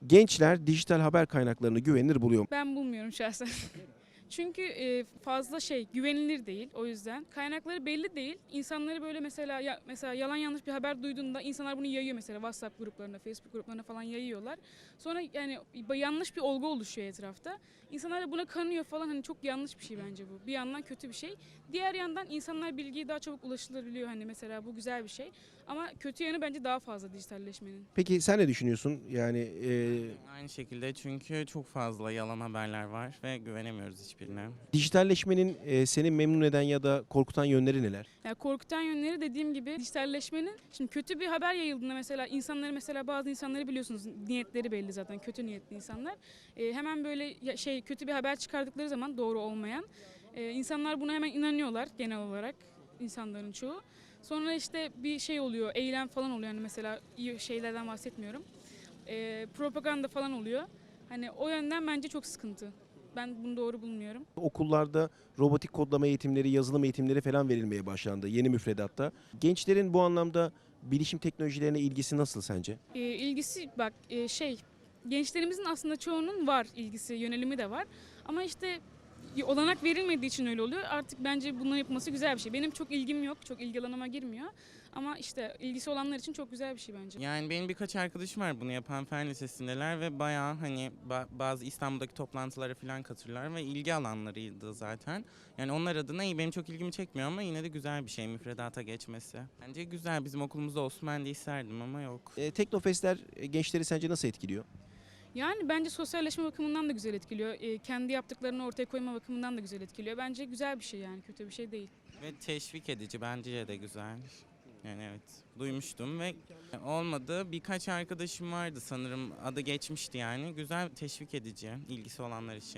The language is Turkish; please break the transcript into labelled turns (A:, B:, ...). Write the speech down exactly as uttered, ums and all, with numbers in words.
A: Gençler dijital haber kaynaklarını güvenilir buluyor mu?
B: Ben bulmuyorum şahsen. Çünkü e, fazla şey güvenilir değil o yüzden. Kaynakları belli değil. İnsanları böyle mesela ya, mesela yalan yanlış bir haber duyduğunda insanlar bunu yayıyor mesela WhatsApp gruplarına, Facebook gruplarına falan yayıyorlar. Sonra yani yanlış bir olgu oluşuyor etrafta. İnsanlar da buna kanıyor falan, hani çok yanlış bir şey bence bu. Bir yandan kötü bir şey. Diğer yandan insanlar bilgiye daha çabuk ulaşılabiliyor, hani mesela bu güzel bir şey. Ama kötü yanı bence daha fazla dijitalleşmenin.
A: Peki sen ne düşünüyorsun? Yani e,
C: Aynı şekilde, çünkü çok fazla yalan haberler var ve güvenemiyoruz hiçbirine.
A: dijitalleşmenin e, seni memnun eden ya da korkutan yönleri neler?
B: Yani korkutan yönleri dediğim gibi dijitalleşmenin, şimdi kötü bir haber yayıldığında mesela insanları, mesela bazı insanları biliyorsunuz niyetleri belli zaten, kötü niyetli insanlar. Ee, hemen böyle ya- şey kötü bir haber çıkardıkları zaman, doğru olmayan, e, insanlar buna hemen inanıyorlar genel olarak, insanların çoğu. Sonra işte bir şey oluyor, eylem falan oluyor, yani mesela iyi şeylerden bahsetmiyorum. Ee, propaganda falan oluyor. Hani o yönden bence çok sıkıntı. Ben bunu doğru bulmuyorum.
A: Okullarda robotik kodlama eğitimleri, yazılım eğitimleri falan verilmeye başlandı yeni müfredatta. Gençlerin bu anlamda bilişim teknolojilerine ilgisi nasıl sence?
B: E, ilgisi bak, e, şey gençlerimizin aslında çoğunun var ilgisi, yönelimi de var. Ama işte olanak verilmediği için öyle oluyor. Artık bence bunların yapılması güzel bir şey. Benim çok ilgim yok, çok ilgi alanıma girmiyor. Ama işte ilgisi olanlar için çok güzel bir şey bence.
C: Yani benim birkaç arkadaşım var bunu yapan, fen lisesindeler ve bayağı hani ba- bazı İstanbul'daki toplantılara falan katılırlar ve ilgi alanlarıydı zaten. Yani onlar adına iyi, benim çok ilgimi çekmiyor ama yine de güzel bir şey müfredata geçmesi. Bence güzel, bizim okulumuzda olsun ben de isterdim ama yok.
A: E, Teknofestler e, gençleri sence nasıl etkiliyor?
B: Yani bence sosyalleşme bakımından da güzel etkiliyor. E, kendi yaptıklarını ortaya koyma bakımından da güzel etkiliyor. Bence güzel bir şey, yani kötü bir şey değil.
C: Ve teşvik edici, bence de güzel. Yani evet, duymuştum ve olmadı. Birkaç arkadaşım vardı sanırım, adı geçmişti yani. Güzel, teşvik edici ilgisi olanlar için.